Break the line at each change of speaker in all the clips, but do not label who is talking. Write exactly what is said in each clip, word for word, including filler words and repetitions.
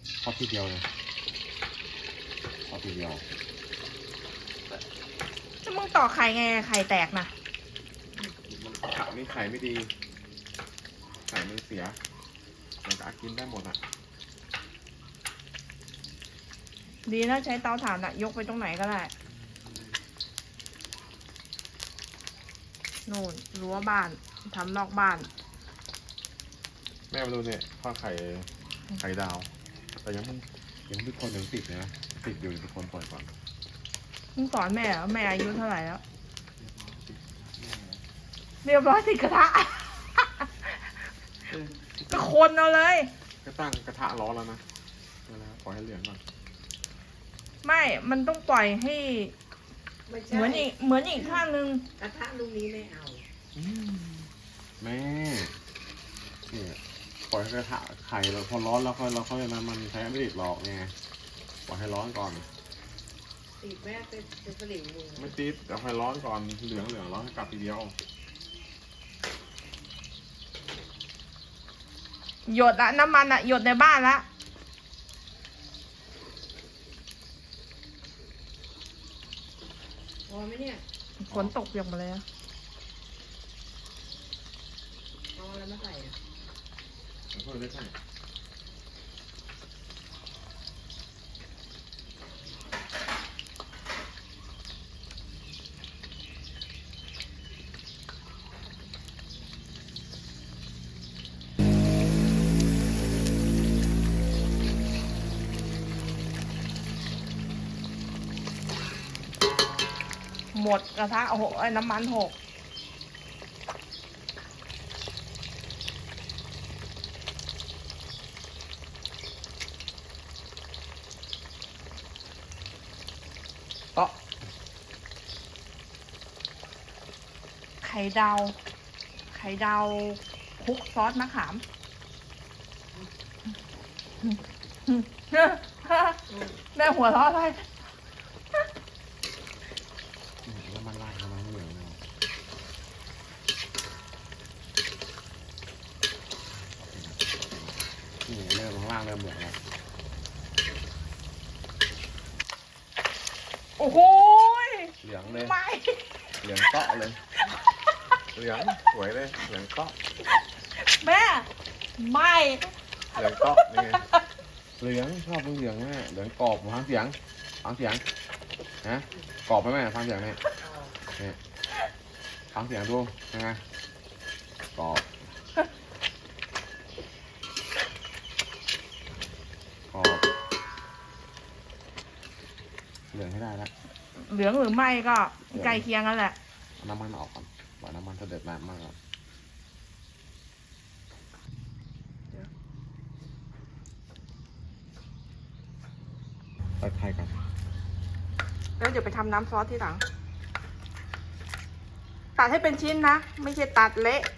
ทอดทีเดียวเลยทอดทีเดียว
แล้วมึงต่อไข่ไงไข่แตกนะ
มันผักนี่ไข่ไม่ดีไข่มันเสียมันจะกินได้หมดอ่ะ
ดีนะใช้เตาถ่านอะยกไปตรงไหนก็ได้นู่นรั้วบ้านทำนอกบ้าน
แม่มาดูเนี่ยทอดไข่ไข่ดาวแต่ยังมันยังเป็นคนยังติดนะติดอยู่เป็นคนปล่อยก่อน
มึงสอนแม่เหรอแม่อายุเท่าไหร่แล้วเรียบร้อยติดกระทะก็คนเอาเลย
ก็ตั้งกระทะร้อนแล้วนะปล่อยให้เหลืองก่อน
ไม่มันต้องปล่อยให้เหมือนอีกเหมือนอีกข้างนึง
กระทะลูกนี้ไม่เอา
แม่เนี่ยปล่อยให้กระทะไข่เราพอร้อนแล้วค่อยเราค่อยน้ำมันใช้ไม่ติดหรอกไงปล่อยให้ร้อนก่อน
ติดแม่เป็นเป็นสลิงมือ
ไม่ติดแต่ให้ร้อนก่อนเหลืองเหลืองร้อนให้กลับทีเดียว
หยดละน้ำมันอะหยดในบ้านละ
พอไหมเนี่ย
ฝนตกเปียกหมดเลยอะ
เอาอะไรมาใส่อะ
แล้วก็ได้ใส่
หมดกระทะโอ้โหไอ้น้ำมันหก
เตาะ
ไข่ดาวไข่ดาวคลุกซอสมะขามแม่หัวเราะอะไร
แล้วมันลาดมันเหลืองเลยนี่เริ่มข้างล่างเริ่มเหลืองแล้ว
โอ้โห
เหลืองเลย
ไม่
เหลืองเตาะเลยเหลืองสวยเลยเหลืองเตาะ
แม่ไม่
เหลืองเตาะนี่ไงเหลืองชอบเหลืองแม่เหลืองกรอบฟังเสียงฟังเสียงนะกรอบไหมแม่ฟังเสียงนี่นี่ฟังเสียงดูยังไงกรอบกรอบเหลืองให้ได้แล้ว
เหลืองหรือไม่ก็ใกล้เคียงกันแหละ
น้ำมันออกก่อนว่าน้ำมันจะเดือดมากมากแล้วตัดไข่ก่อน
แล้วเดี๋ยวไปทำน้ำซอสที่หลังตัดให้เป็นชิ้นนะไม่ใช่ตัดเละ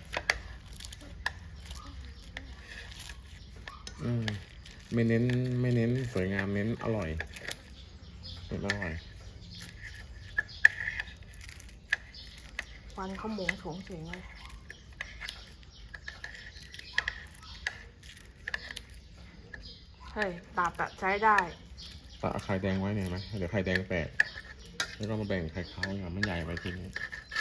อืมไม่เน้นไม่เน้นสวยงามเน้นอร่อยเน้นอร่อย
ควันเขาหมงโฉงเฉงเลยเฮ้ยตัดอะใช้ได้
ตัดไข่แดงไว้เนี่ยไหมเดี๋ยวไข่แดงแตกแล้วก็มาแบ่งไข่ขาวอย่างมันใหญ่ไปทีนี้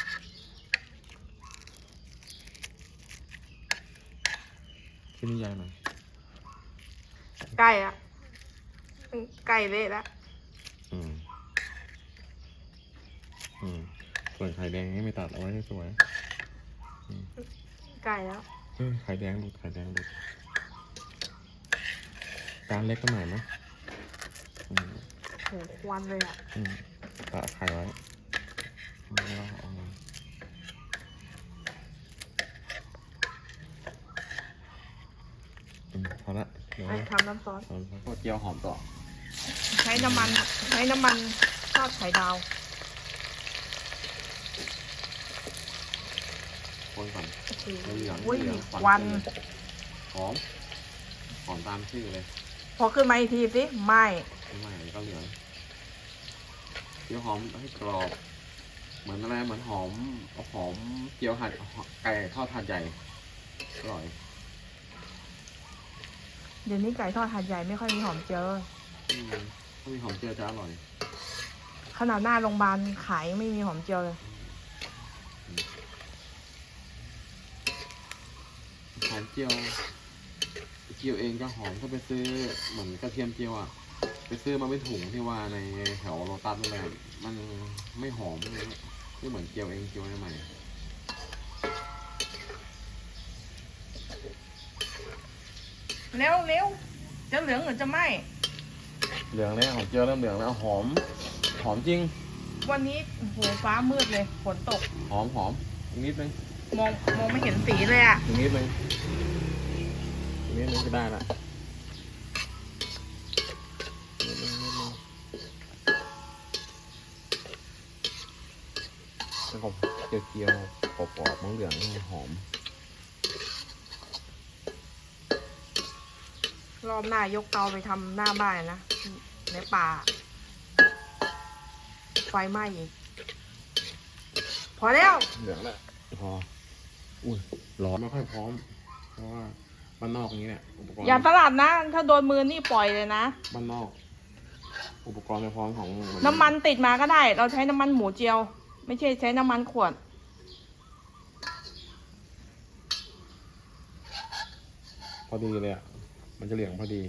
ที่นี่ใหญ่หน่อย
ใกล้อะใกล้เละแล้ว
อืมอืมส่วนไข่แดงนี่ไม่ตัดเอาไว้ให้สวย
ใกล้แล้ว
เฮ้ยไข่แดงหลุดไข่แดงหลุดการเล็กก็หน่อยไหม
โหควันเลยอ่ะ
ตัดไข่ไว้แล้วเอามาพอละ
เดี๋ยวทำน้ำซอส
ก็เจียวหอมต่อ
ใช้น้ำมันใช้น้ำมันทอดไข่ดาว
คนก่อนเหลือง
เหลืองควัน
หอมหอมตามชื่อเลย
พอขึ้นมาอีกทีสิไม่
ไม่ก็เหลืองเจียวหอมให้กรอบเหมือนอะไรเหมือนหอมหอมเจียวหัดไก่ทอดถาดใหญ่อร่อย
เดี๋ยวนี้ไก่ทอดหาดใหญ่ไม่ค่อยมีหอมเจียวเลย
อืมถ้ามีหอมเจียวจะอร่อย
ขนาดหน้าโรงพยาบาลขายยังไม่มีหอมเจียวเลย
หอมเจียวเจียวเองก็หอมถ้าไปซื้อเหมือนกระเทียมเจียวอ่ะไปซื้อมาเป็นถุงที่ว่าในแถวโลตัสอะไรมันไม่หอมเลยไม่เหมือนเจียวเองเจียวใหม่
เร็วเร็วจะเหลืองหรือจะไหม
เหลืองแล้วหอมเจียวเริ่มเหลืองแล้วหอมหอมจริง
วันนี้โอ้โหฟ้ามืดเลยฝนตก
หอมหอมอีกนิดนึง
มองมองไม่เห็นสีเลยอ่ะ
อีกนิดนึงอีกนิดนึงก็ได้ละนิดนึงนิดนึงแล้วก็เจียวเจียวกรอบๆเหลืองๆหอม
รอบหน้ายกเตาไปทำหน้าบ้านนะในป่า ไฟไหม้อีก พอแล้ว
เหลืองแล้วพออุ้ยร้อนไม่ค่อยพร้อม เพราะว่าบ้านนอกนี้เนี่ยอุปกรณ์
อย่าสลัดนะ ถ้าโดนมือนี่ปล่อยเลยนะ
บ้านนอก อุปกรณ์ในพร้อมของ
น้ำมันติดมาก็ได้ เราใช้น้ำมันหมูเจียว ไม่ใช่ใช้น้ำมันขวด
พอดีเลยอ่ะมันจะเหลืองพอดี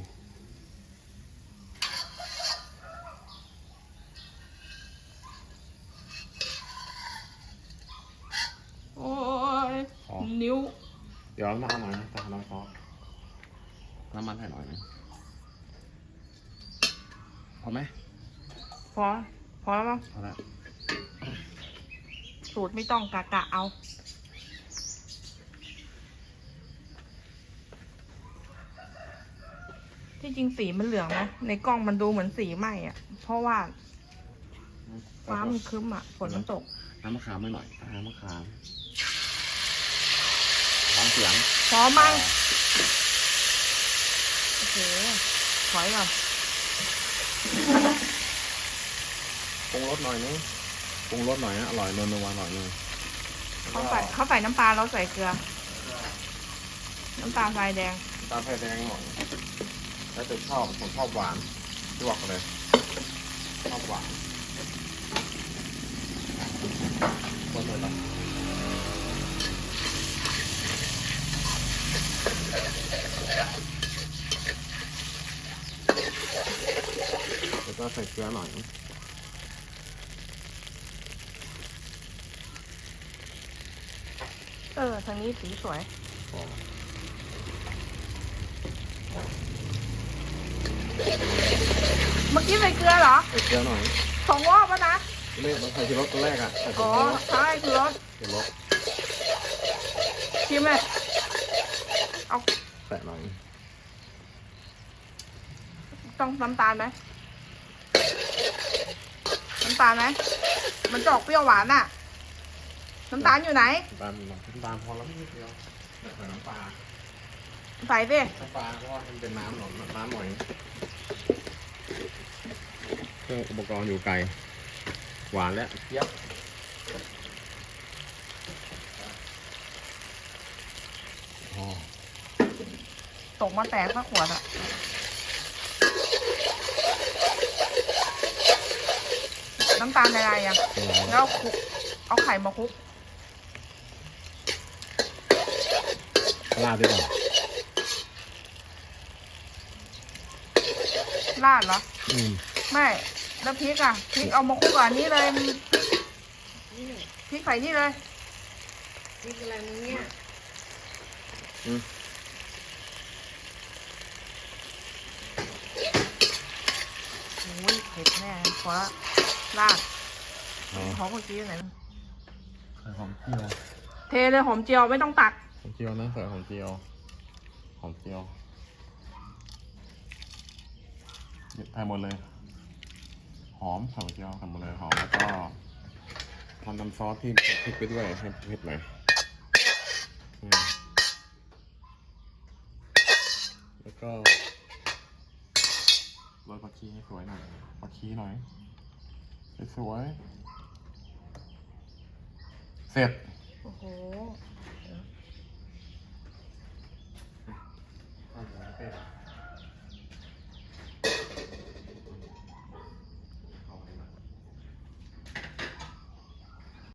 โอ้ย
อ๋อ
นิ้ว
เดี๋ยวน้ำมันหน่อยนะตามน้ำซอสน้ำมันให้หน่อยนะพอไหม
พอ พอแล้วมั้ง
พอแล้ว
สูตรไม่ต้องกะกะเอา ที่จริงสีมันเหลืองนะ ในกล้องมันดูเหมือนสีไหม้อะเพราะว่าฟ้ามันครึ้มอะฝนมันตก
น้ำมะขามไม่หน่อยน้ำมะขามฟังเสียง
พร้อมมั้งโอเคถอยก่อน
ปรุงรสหน่อยนึงปรุงรสหน่อยนะอร่อยนวลนัวหน่อยนึง
เขาใส่เขาใส่น้ำปลาเราใส่เกลือ น้ำตาลทรายแดง
ตาไฟแดงหน่อยแล้วจะชอบผมชอบหวานที่บอกเลยชอบหวานคนเลยนะแล้วก็ใส่เกลือหน่อย
เออ ทางนี้สีสวย
พอ
เมื่อกี้ใส่เกลือเหรอ
ใส่เกลือหน่อย
สองรอบแล้วนะ
ไม่มันใส่ที่รสตัวแรกอ่ะใส่ผ
อ๋
ง
อ
รส
ใช่คือรส
ที่รส
ชิมเลยเอา
แตะหน่อย
ต้องน้ำตาลไหมน้ำตาลไหมมันจะออกเปรี้ยวหวานอะน้ำตาลอยู่ไหน
น้ำตาลหน่อยน้ำตาลพอแล้วนิดเดียวใส่น้ำปลา
ใส่สิ
น้ำปลาเพราะว่ามันเป็นน้ำหน่อยน้ำหน่อยเครื่องอุปกรณ์อยู่ไกลหวานแล้วเทียบพอ
ตกมาแตกสักขวดอะน้ำตาลอะไรอะ
เป็นไร
แล้วคลุกเอาไข่มาคลุก
ราดด้วยก่อน
ราดเหรอ
อืม
ไม่ แล้วพริกอะพริกเอามาคลุกกับอันนี้เลยพริก
นี่
พริกใส่นี่เลย
นี่คืออะไรมึงเนี่ย
อืม
โอ้ยเผ็ดแน่เพราะราด
อ๋อ
หอมเมื่อกี้อยู่ไหน
ใส่หอมเจียว
เทเลยหอมเจียวไม่ต้องตัก
หอมเจียวนะใส่หอมเจียวหอมเจียวใส่หมดเลย หอมใส่หอมเจียวใส่หมดเลยหอมแล้วก็ทำน้ำซอสที่พริกไปด้วยให้เผ็ดหน่อยอืมแล้วก็โรยผักชีให้สวยหน่อยผักชีหน่อยสวยๆเสร็จ
โอ้โห
อ่ะเดี๋ยวเราไป